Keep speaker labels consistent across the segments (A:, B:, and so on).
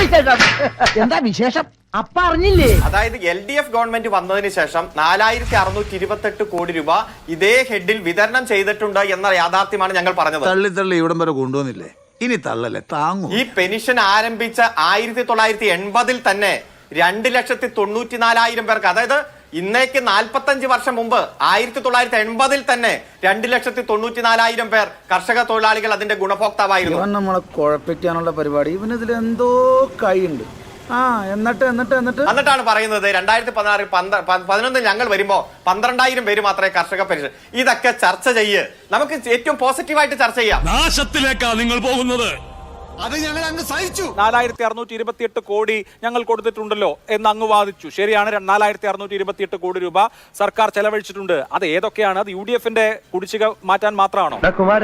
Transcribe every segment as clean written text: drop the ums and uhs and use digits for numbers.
A: എന്താ വിശേഷം? അപ്പ അറിഞ്ഞില്ലേ?
B: അതായത് LDF ഗവൺമെന്റ് വന്നതിന് ശേഷം 4628 കോടി രൂപ ഇതേ ഹെഡിൽ വിതരണം ചെയ്തിട്ടുണ്ട് എന്ന യാഥാർത്ഥ്യമാണ് ഞങ്ങൾ പറഞ്ഞത്.
C: തള്ളി ഇവിടം വരെ കൊണ്ടുവന്നില്ലേ, ഇനി തള്ളല്ലേ താങ്ങൂ.
B: ഈ പെൻഷൻ ആരംഭിച്ച 1980 തന്നെ 2,94,000 പേർക്ക്, അതായത് ഇന്നേക്ക് 45 വർഷം മുമ്പ് 1980 തന്നെ 2,94,000 പേർ കർഷക തൊഴിലാളികൾ അതിന്റെ ഗുണഭോക്താവായിരുന്നു.
D: ഇവൻ നമ്മളെ കുഴപ്പിക്കാനുള്ള പരിപാടി, ഇവനിതിൽ എന്തോ കൈയുണ്ട്.
B: എന്നിട്ടാണ് പറയുന്നത് 2016-11 ഞങ്ങൾ വരുമ്പോ 12,000 പേര് മാത്രമേ കർഷക പെൻഷൻ. ഇതൊക്കെ ചർച്ച ചെയ്യ്, നമുക്ക് ഏറ്റവും പോസിറ്റീവായിട്ട് ചർച്ച ചെയ്യാം.
E: നാശത്തിലേക്കാ നിങ്ങൾ പോകുന്നത്.
C: അത് ഞങ്ങൾ അങ്ങ് സഹിച്ചു.
F: 4,628 കോടി ഞങ്ങൾ കൊടുത്തിട്ടുണ്ടല്ലോ എന്ന് അങ്ങ് വാദിച്ചു. ശരിയാണ്, 4,628 കോടി രൂപ സർക്കാർ ചെലവഴിച്ചിട്ടുണ്ട്. അത് ഏതൊക്കെയാണ്? അത് UDFന്റെ കുടിശ്ശിക മാറ്റാൻ മാത്രമാണോ?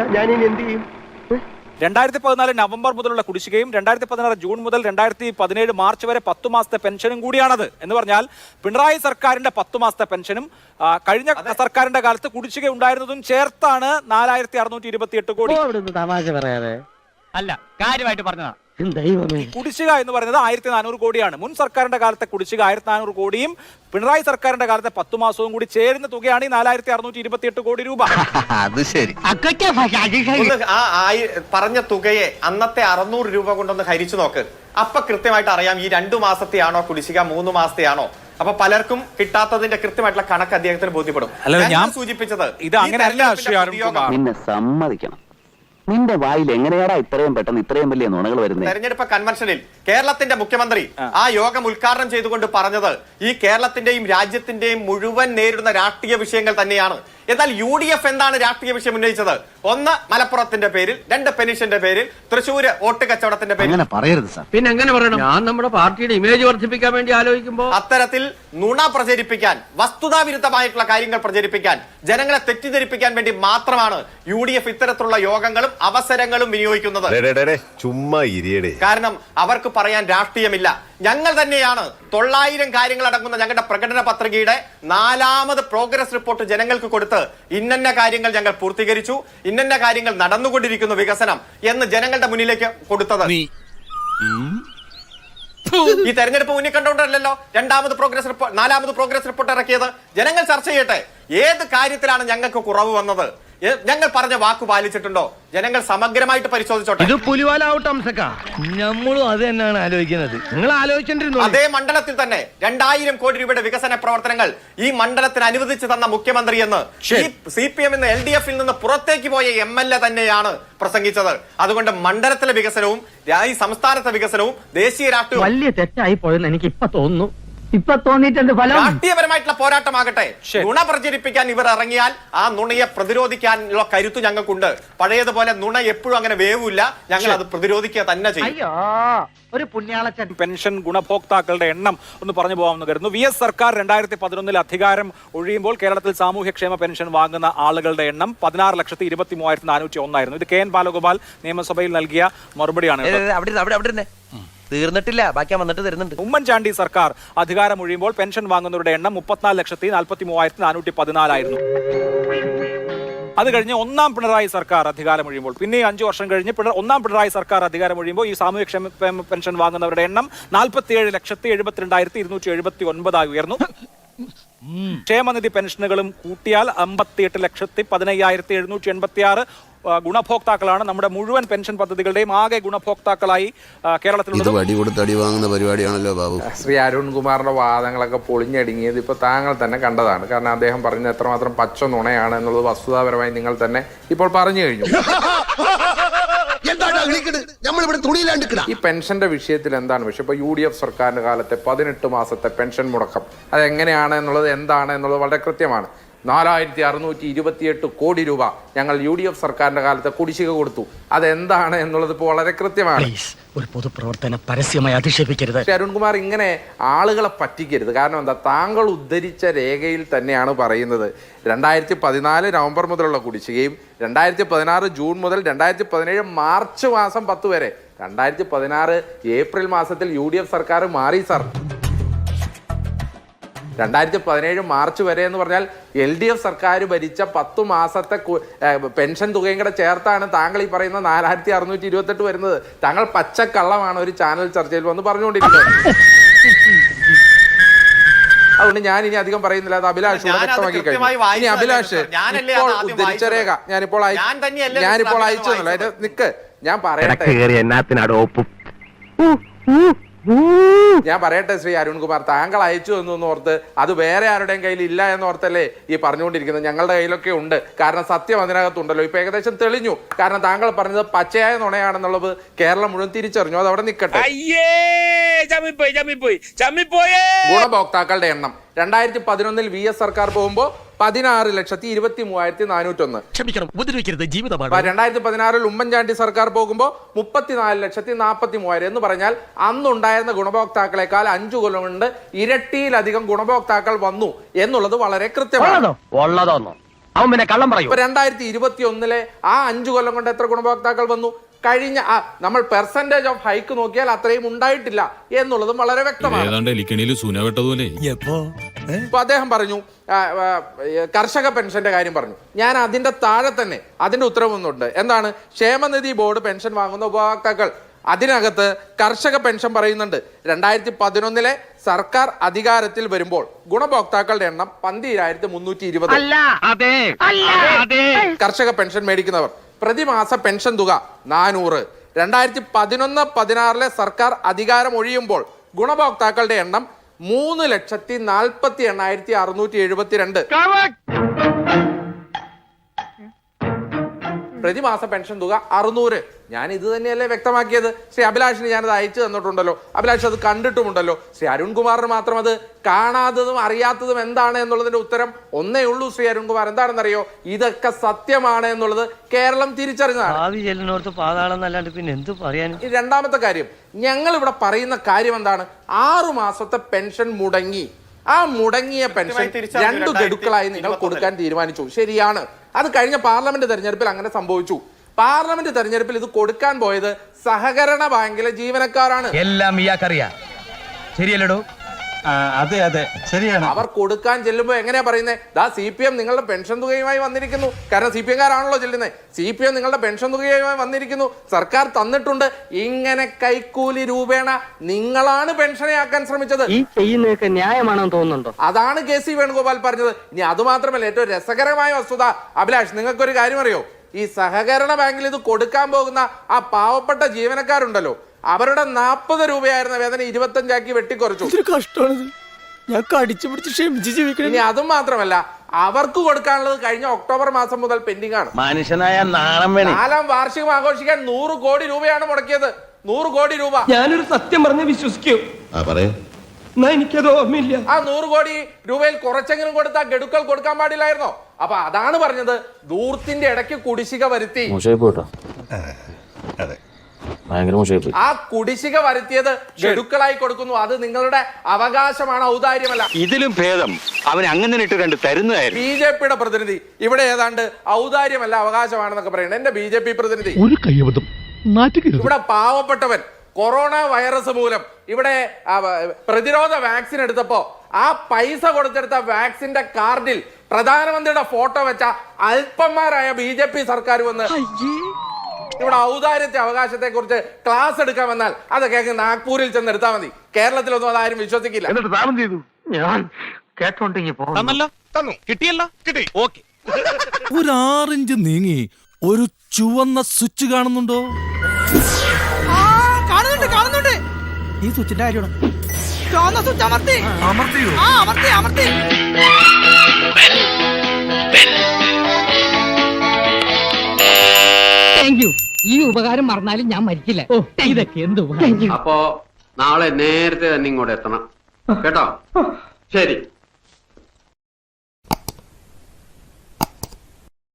F: 2014 നവംബർ മുതലുള്ള കുടിശ്ശികയും 2016 ജൂൺ മുതൽ 2017 മാർച്ച് വരെ 10 മാസത്തെ പെൻഷനും കൂടിയാണത്. എന്ന് പറഞ്ഞാൽ പിണറായി സർക്കാരിന്റെ 10 മാസത്തെ പെൻഷനും കഴിഞ്ഞ സർക്കാരിന്റെ കാലത്ത് കുടിശ്ശിക ഉണ്ടായിരുന്നതും ചേർത്താണ് 4,628 കോടി.
A: തമാശ പറയാതെ അല്ല, കാര്യമായിട്ട് പറഞ്ഞതാ.
F: കുടിശ്ശിക എന്ന് പറയുന്നത് 1,400 കോടിയാണ്. മുൻ സർക്കാരിന്റെ കാലത്തെ കുടിശ്ശിക 1,400 കോടിയും പിണറായി സർക്കാരിന്റെ കാലത്തെ 10 മാസവും കൂടി ചേരുന്ന തുകയാണ് ഈ 4,628 കോടി രൂപ.
C: അത് ശരി.
B: പറഞ്ഞ തുകയെ അന്നത്തെ 600 രൂപ കൊണ്ടൊന്ന് ഹരിച്ചു നോക്ക്. അപ്പൊ കൃത്യമായിട്ട് അറിയാം ഈ 2 മാസത്തെയാണോ കുടിശ്ശിക, 3 മാസത്തെയാണോ. അപ്പൊ പലർക്കും കിട്ടാത്തതിന്റെ കൃത്യമായിട്ടുള്ള കണക്ക് അദ്ദേഹത്തിന് ബോധ്യപ്പെടും.
F: ഞാൻ
B: സൂചിപ്പിച്ചത്
F: ഇത് അങ്ങനെയല്ല.
G: നിന്നെ സമ്മതിക്കണം, നിന്റെ വായിൽ എങ്ങനെയാടാ ഇത്രയും പെട്ടെന്ന് ഇത്രയും വലിയ നുണകൾ വരുന്നത്?
B: തെരഞ്ഞെടുപ്പ് കൺവെൻഷനിൽ കേരളത്തിന്റെ മുഖ്യമന്ത്രി ആ യോഗം ഉദ്ഘാടനം ചെയ്തുകൊണ്ട് പറഞ്ഞത് ഈ കേരളത്തിന്റെയും രാജ്യത്തിന്റെയും മുഴുവൻ നേരിടുന്ന രാഷ്ട്രീയ വിഷയങ്ങൾ തന്നെയാണ്. എന്നാൽ UDF എന്താണ് രാഷ്ട്രീയ വിഷയം ഉന്നയിച്ചത്? 1 മലപ്പുറത്തിന്റെ പേരിൽ, 2 പെൻഷന്റെ പേരിൽ, തൃശ്ശൂര് വോട്ട് കച്ചവടത്തിന്റെ പേരിൽ.
A: അങ്ങനെ പറയരുത് സാർ. പിന്നെ എങ്ങനെ പറയണം? ഞാൻ നമ്മുടെ പാർട്ടിയുടെ ഇമേജ് വർദ്ധിപ്പിക്കാൻ വേണ്ടി ആലോചിക്കുമ്പോ
B: അത്തരത്തിൽ നുണ പ്രചരിപ്പിക്കാൻ, വസ്തുതാവിരുദ്ധമായിട്ടുള്ള കാര്യങ്ങൾ പ്രചരിപ്പിക്കാൻ, ജനങ്ങളെ തെറ്റിദ്ധരിപ്പിക്കാൻ വേണ്ടി മാത്രമാണ് UDF ഇത്തരത്തിലുള്ള യോഗങ്ങളും അവസരങ്ങളും വിനിയോഗിക്കുന്നത്.
E: ചുമ്മാ ഇരിയടേ.
B: കാരണം അവർക്ക് പറയാൻ രാഷ്ട്രീയമില്ല. ഞങ്ങൾ തന്നെയാണ് 900 കാര്യങ്ങൾ അടങ്ങുന്ന ഞങ്ങളുടെ പ്രകടന പത്രികയുടെ 4ാമത് പ്രോഗ്രസ് റിപ്പോർട്ട് ജനങ്ങൾക്ക് കൊടുത്ത് ഇന്ന കാര്യങ്ങൾ ഞങ്ങൾ പൂർത്തീകരിച്ചു, ഇന്ന കാര്യങ്ങൾ നടന്നുകൊണ്ടിരിക്കുന്നു വികസനം എന്ന് ജനങ്ങളുടെ മുന്നിലേക്ക് കൊടുത്തത്. ഈ തെരഞ്ഞെടുപ്പ് മുന്നിൽ കണ്ടുകൊണ്ടല്ലോ 2ാമത് പ്രോഗ്രസ് റിപ്പോർട്ട്, 4ാമത് പ്രോഗ്രസ് റിപ്പോർട്ട് ഇറക്കിയത്. ജനങ്ങൾ ചർച്ച ചെയ്യട്ടെ, ഏത് കാര്യത്തിലാണ് ഞങ്ങൾക്ക് കുറവ് വന്നത്, ഞങ്ങൾ പറഞ്ഞ വാക്ക് പാലിച്ചിട്ടുണ്ടോ, ജനങ്ങൾ സമഗ്രമായിട്ട് പരിശോധിച്ചോട്ടെ.
A: ഇത് പുലിവാലാവട്ടെ അംസക്ക, നമ്മളും അത് തന്നെയാണ് ആലോചിക്കുന്നത്. നിങ്ങൾ ആലോചിച്ചിരുന്നു.
B: അതേ മണ്ഡലത്തിൽ തന്നെ 2,000 കോടി രൂപയുടെ വികസന പ്രവർത്തനങ്ങൾ ഈ മണ്ഡലത്തിന് അനുവദിച്ചു തന്ന മുഖ്യമന്ത്രി എന്ന് CPM എന്ന് LDF നിന്ന് പുറത്തേക്ക് പോയ MLA തന്നെയാണ് പ്രസംഗിച്ചത്. അതുകൊണ്ട് മണ്ഡലത്തിലെ വികസനവും ഈ സംസ്ഥാനത്തെ വികസനവും ദേശീയ രാഷ്ട്രീയവും
A: വലിയ തെറ്റായി പോയെന്ന് എനിക്ക് ഇപ്പൊ തോന്നുന്നു. ഇപ്പൊ തോന്നിയിട്ടുണ്ട്.
B: രാഷ്ട്രീയപരമായിട്ടുള്ള പോരാട്ടമാകട്ടെ. നുണ പ്രചരിപ്പിക്കാൻ ഇവർ ഇറങ്ങിയാൽ ആ നുണയെ പ്രതിരോധിക്കാനുള്ള കരുത്ത് ഞങ്ങൾക്കുണ്ട്. പഴയതുപോലെ നുണ എപ്പോഴും അങ്ങനെ വേവില്ല, ഞങ്ങൾ അത് പ്രതിരോധിക്കുക തന്നെ ചെയ്യും.
A: ഒരു പുണ്യാളച്ചൻ.
F: പെൻഷൻ ഗുണഭോക്താക്കളുടെ എണ്ണം ഒന്ന് പറഞ്ഞു പോകാമെന്ന് കരുതുന്നു. VS സർക്കാർ 2011 അധികാരം ഒഴിയുമ്പോൾ കേരളത്തിൽ സാമൂഹ്യക്ഷേമ പെൻഷൻ വാങ്ങുന്ന ആളുകളുടെ എണ്ണം 16,23,401 ആയിരുന്നു. ഇത് KN ബാലഗോപാൽ നിയമസഭയിൽ നൽകിയ മറുപടിയാണ്.
H: തീർന്നിട്ടില്ല, ബാക്കി വന്നിട്ട് തരുന്നുണ്ട്.
F: ഉമ്മൻചാണ്ടി സർക്കാർ അധികാരം ഒഴിയുമ്പോൾ പെൻഷൻ വാങ്ങുന്നവരുടെ എണ്ണം 34,43,414 ആയിരുന്നു. അത് കഴിഞ്ഞ് 1ാം പിണറായി സർക്കാർ അധികാരം ഒഴിയുമ്പോൾ, പിന്നെ 5 വർഷം കഴിഞ്ഞ് 1ാം പിണറായി സർക്കാർ അധികാരം ഒഴിയുമ്പോൾ ഈ സാമൂഹ്യക്ഷേമ പെൻഷൻ വാങ്ങുന്നവരുടെ എണ്ണം 47,72,279 ആയി ഉയർന്നു. ക്ഷേമനിധി പെൻഷനുകളും കൂട്ടിയാൽ 58,15,786 ഗുണഭോക്താക്കളാണ് നമ്മുടെ മുഴുവൻ പെൻഷൻ പദ്ധതികളുടെയും ആകെ ഗുണഭോക്താക്കളായി കേരളത്തിൽ.
C: വടി കൊടുത്ത് അടി വാങ്ങുന്ന പരിപാടിയാണല്ലോ ബാബു.
I: ശ്രീ അരുൺകുമാറിന്റെ വാദങ്ങളൊക്കെ പൊളിഞ്ഞടുങ്ങിയത് ഇപ്പോൾ താങ്കൾ തന്നെ കണ്ടതാണ്. കാരണം അദ്ദേഹം പറഞ്ഞത് എത്രമാത്രം പച്ച നുണയാണ് എന്നുള്ളത് വസ്തുതാപരമായി നിങ്ങൾ തന്നെ ഇപ്പോൾ പറഞ്ഞു കഴിഞ്ഞു. ഈ പെൻഷന്റെ വിഷയത്തിൽ എന്താണ് വിഷയം? ഇപ്പൊ UDF സർക്കാരിന്റെ കാലത്തെ 18 മാസത്തെ പെൻഷൻ മുടക്കം അതെങ്ങനെയാണ് എന്നുള്ളത് എന്താണ് എന്നുള്ളത് വളരെ കൃത്യമാണ്. 4,628 കോടി രൂപ ഞങ്ങൾ UDF സർക്കാരിന്റെ കാലത്ത് കുടിശ്ശിക കൊടുത്തു. അതെന്താണ് എന്നുള്ളത് ഇപ്പോൾ വളരെ കൃത്യമാണ്.
A: ഒരു പൊതുപ്രവർത്തനം പരസ്യമായി അധിക്ഷേപിക്കരുത്.
I: അരുൺകുമാർ, ഇങ്ങനെ ആളുകളെ പറ്റിക്കരുത്. കാരണം എന്താ, താങ്കൾ ഉദ്ധരിച്ച രേഖയിൽ തന്നെയാണ് പറയുന്നത് 2014 നവംബർ മുതലുള്ള കുടിശ്ശികയും 2016 ജൂൺ മുതൽ 2017 മാർച്ച് മാസം 10 വരെ. 2016 ഏപ്രിൽ മാസത്തിൽ UDF സർക്കാർ മാറി സാർ. 2017 മാർച്ച് വരെ എന്ന് പറഞ്ഞാൽ LDF സർക്കാർ ഭരിച്ച 10 മാസത്തെ പെൻഷൻ തുകയും കൂടെ ചേർത്താണ് താങ്കൾ ഈ പറയുന്ന 4628 വരുന്നത്. താങ്കൾ പച്ചക്കള്ളമാണ് ഒരു ചാനൽ ചർച്ചയിൽ വന്ന് പറഞ്ഞുകൊണ്ടിരിക്കുന്നത്. അതുകൊണ്ട് ഞാൻ ഇനി അധികം പറയുന്നില്ല. അത് അഭിലാഷ് വ്യക്തമാക്കി കഴിഞ്ഞു. ഇനി അഭിലാഷ് ഇപ്പോൾ ഉദ്ധരിച്ച രേഖ ഞാനിപ്പോൾ അയച്ചു തന്നല്ലോ. അതിന്റെ നിക്ക് ഞാൻ പറയട്ടെ ശ്രീ അരുൺകുമാർ, താങ്കൾ അയച്ചു തന്നു ഓർത്ത് അത് വേറെ ആരുടെയും കയ്യിൽ ഇല്ല എന്നോർത്തല്ലേ ഈ പറഞ്ഞുകൊണ്ടിരിക്കുന്നത്. ഞങ്ങളുടെ കയ്യിലൊക്കെ ഉണ്ട്. കാരണം സത്യം അതിനകത്തുണ്ടല്ലോ. ഇപ്പൊ ഏകദേശം തെളിഞ്ഞു. കാരണം താങ്കൾ പറഞ്ഞത് പച്ചയായ നുണയാണെന്നുള്ളത് കേരളം മുഴുവൻ തിരിച്ചറിഞ്ഞു. അത് അവിടെ നിൽക്കട്ടെ. ഗുണഭോക്താക്കളുടെ എണ്ണം 2011 VS സർക്കാർ പോകുമ്പോ 16,23,401.
A: ക്ഷമിക്കണം, ഉപദ്രവിക്കരുത്, ജീവിതമാണ്.
I: 2016 ഉമ്മൻചാണ്ടി സർക്കാർ പോകുമ്പോ 34,43,000 എന്ന് പറഞ്ഞാൽ അന്നുണ്ടായിരുന്ന ഗുണഭോക്താക്കളെക്കാൾ 5 കൊല്ലം കൊണ്ട് ഇരട്ടിയിലധികം ഗുണഭോക്താക്കൾ വന്നു എന്നുള്ളത് വളരെ കൃത്യമാണ്. 2021 ആ 5 കൊല്ലം കൊണ്ട് എത്ര ഗുണഭോക്താക്കൾ വന്നു? കഴിഞ്ഞ നമ്മൾ പെർസെന്റേജ് ഓഫ് ഹൈക്ക് നോക്കിയാൽ അത്രയും ഉണ്ടായിട്ടില്ല എന്നുള്ളതും വളരെ വ്യക്തമാണ്. ഇപ്പൊ അദ്ദേഹം പറഞ്ഞു കർഷക പെൻഷന്റെ കാര്യം പറഞ്ഞു. ഞാൻ അതിന്റെ താഴെ തന്നെ അതിന്റെ ഉത്തരവൊന്നുണ്ട്. എന്താണ്? ക്ഷേമനിധി ബോർഡ് പെൻഷൻ വാങ്ങുന്ന ഉപഭോക്താക്കൾ, അതിനകത്ത് കർഷക പെൻഷൻ പറയുന്നുണ്ട്. 2011 സർക്കാർ അധികാരത്തിൽ വരുമ്പോൾ ഗുണഭോക്താക്കളുടെ എണ്ണം 12,320. കർഷക പെൻഷൻ മേടിക്കുന്നവർ പ്രതിമാസ പെൻഷൻ തുക 400. 2011-16 സർക്കാർ അധികാരം ഒഴിയുമ്പോൾ ഗുണഭോക്താക്കളുടെ എണ്ണം 3,40,8,672. പ്രതിമാസ പെൻഷൻ തുക 600. ഞാൻ ഇത് തന്നെയല്ലേ വ്യക്തമാക്കിയത്. ശ്രീ അഭിലാഷിന് ഞാനത് അയച്ചു തന്നിട്ടുണ്ടല്ലോ. അഭിലാഷ് അത് കണ്ടിട്ടുമുണ്ടല്ലോ. ശ്രീ അരുൺകുമാറിന് മാത്രം അത് കാണാത്തതും അറിയാത്തതും എന്താണ് എന്നുള്ളതിന്റെ ഉത്തരം ഒന്നേ ഉള്ളൂ. ശ്രീ അരുൺകുമാർ, എന്താണെന്നറിയോ? ഇതൊക്കെ സത്യമാണ് എന്നുള്ളത് കേരളം തിരിച്ചറിഞ്ഞതാണ്.
A: പിന്നെ എന്ത് പറയാൻ?
I: രണ്ടാമത്തെ കാര്യം, ഞങ്ങൾ ഇവിടെ പറയുന്ന കാര്യം എന്താണ്? 6 മാസത്തെ പെൻഷൻ മുടങ്ങി. ആ മുടങ്ങിയ പെൻഷൻ 2 ഗഡുക്കളായി നിങ്ങൾ കൊടുക്കാൻ തീരുമാനിച്ചു. ശരിയാണ്. അത് കഴിഞ്ഞ പാർലമെന്റ് തെരഞ്ഞെടുപ്പിൽ അങ്ങനെ സംഭവിച്ചു. പാർലമെന്റ് തെരഞ്ഞെടുപ്പിൽ ഇത് കൊടുക്കാൻ പോയത് സഹകരണ ബാങ്കിലെ ജീവനക്കാരാണ്.
A: എല്ലാം ഇയാൾക്കറിയാം. ശരിയല്ലടോ?
D: അതെ അതെ ശരിയാണ്.
I: അവർ കൊടുക്കാൻ ചെല്ലുമ്പോ എങ്ങനെയാ പറയുന്നത്? CPM നിങ്ങളുടെ പെൻഷൻ തുകയുമായി വന്നിരിക്കുന്നു. കാരണം CPM കാരാണല്ലോ ചെല്ലുന്നത്. CPM നിങ്ങളുടെ പെൻഷൻ തുകയുമായി വന്നിരിക്കുന്നു, സർക്കാർ തന്നിട്ടുണ്ട്. ഇങ്ങനെ കൈക്കൂലി രൂപേണ നിങ്ങളാണ് പെൻഷനെ ആക്കാൻ ശ്രമിച്ചത്.
H: ഈ ചെയ്യുന്നതൊക്കെ ന്യായമാണെന്ന് തോന്നുന്നുണ്ടോ?
I: അതാണ് KC വേണുഗോപാൽ പറഞ്ഞത്. ഇനി അത് മാത്രമല്ല, ഏറ്റവും രസകരമായ വസ്തുത അഭിലാഷ്, നിങ്ങൾക്കൊരു കാര്യം അറിയോ? ഈ സഹകരണ ബാങ്കിൽ ഇത് കൊടുക്കാൻ പോകുന്ന ആ പാവപ്പെട്ട ജീവനക്കാരുണ്ടല്ലോ, അവരുടെ 40 രൂപയായിരുന്ന വേതനം 25 വെട്ടിക്കുറച്ചു.
A: ഞാൻ കടിച്ചു പിടിച്ച് ക്ഷമിച്ച് ജീവിക്കണം.
I: ഇനി അതും മാത്രമല്ല, അവർക്ക് കൊടുക്കാനുള്ളത് കഴിഞ്ഞ ഒക്ടോബർ മാസം മുതൽ പെൻഡിംഗ് ആണ്.
A: മനുഷ്യനായ നാണം വേണം.
I: 4ാം വാർഷികം ആഘോഷിക്കാൻ 100 കോടി രൂപയാണ് മുടക്കിയത്. 100 കോടി രൂപ.
A: ഞാനൊരു സത്യം പറഞ്ഞ് വിശ്വസിക്കൂ? എനിക്കത് ഓർമ്മയില്ല.
I: ആ 100 കോടി രൂപയിൽ കുറച്ചെങ്കിലും കൊടുത്താൽ ഗഡുക്കൾ കൊടുക്കാൻ പാടില്ലായിരുന്നോ? അപ്പൊ അതാണ് പറഞ്ഞത്, ദൂർത്തിന്റെ ഇടയ്ക്ക് കുടിശ്ശിക വരുത്തി. ആ കുടിശ്ശിക വരുത്തിയത് ഗഡുക്കളായി കൊടുക്കുന്നു. അത് നിങ്ങളുടെ അവകാശമാണ്, ഔദാര്യമല്ല.
G: ഇതിലും ഭേദം അവൻ അങ്ങനെ ഇട്ട് കണ്ട് തരുന്നതായിരുന്നു.
I: BJPയുടെ പ്രതിനിധി ഇവിടെ ഏതാണ്ട് ഔദാര്യമല്ല അവകാശമാണെന്നൊക്കെ പറയുന്നത്. എന്റെ BJP പ്രതിനിധി ഇവിടെ പാവപ്പെട്ടവൻ കൊറോണ വൈറസ് മൂലം ഇവിടെ പ്രതിരോധ വാക്സിൻ എടുത്തപ്പോ ആ പൈസ കൊടുത്തെടുത്ത വാക്സിന്റെ കാർഡിൽ പ്രധാനമന്ത്രിയുടെ ഫോട്ടോ വെച്ച അല്പന്മാരായ BJP സർക്കാർ വന്ന് ഇവിടെ ഔദാര്യത്തെ അവകാശത്തെ കുറിച്ച് ക്ലാസ് എടുക്കാൻ വന്നാൽ അതൊക്കെ നാഗ്പൂരിൽ ചെന്ന് എടുത്താൽ മതി. കേരളത്തിലൊന്നും അതാരും വിശ്വസിക്കില്ല.
H: ഞാൻ കേട്ടോണ്ടെങ്കിൽ
E: കിട്ടി. ഓക്കെ.
J: ഒരു 6 ഇഞ്ച് നീങ്ങി ഒരു ചുവന്ന സ്വിച്ച് കാണുന്നുണ്ടോ?
D: കാണുന്നുണ്ട്. ഈ സ്വിച്ചിന്റെ കാര്യമാണ്. ചുവന്ന സ്വിച്ച് അമർത്തിയോ? അമർത്തി.
K: ഈ ഉപകാരം മറന്നാലും ഞാൻ മരിക്കില്ല. ഇതൊക്കെ എന്ത്
G: അപ്പോ നാളെ നേരത്തെ തന്നെ ഇങ്ങോട്ട് എത്തണം കേട്ടോ? ശരി.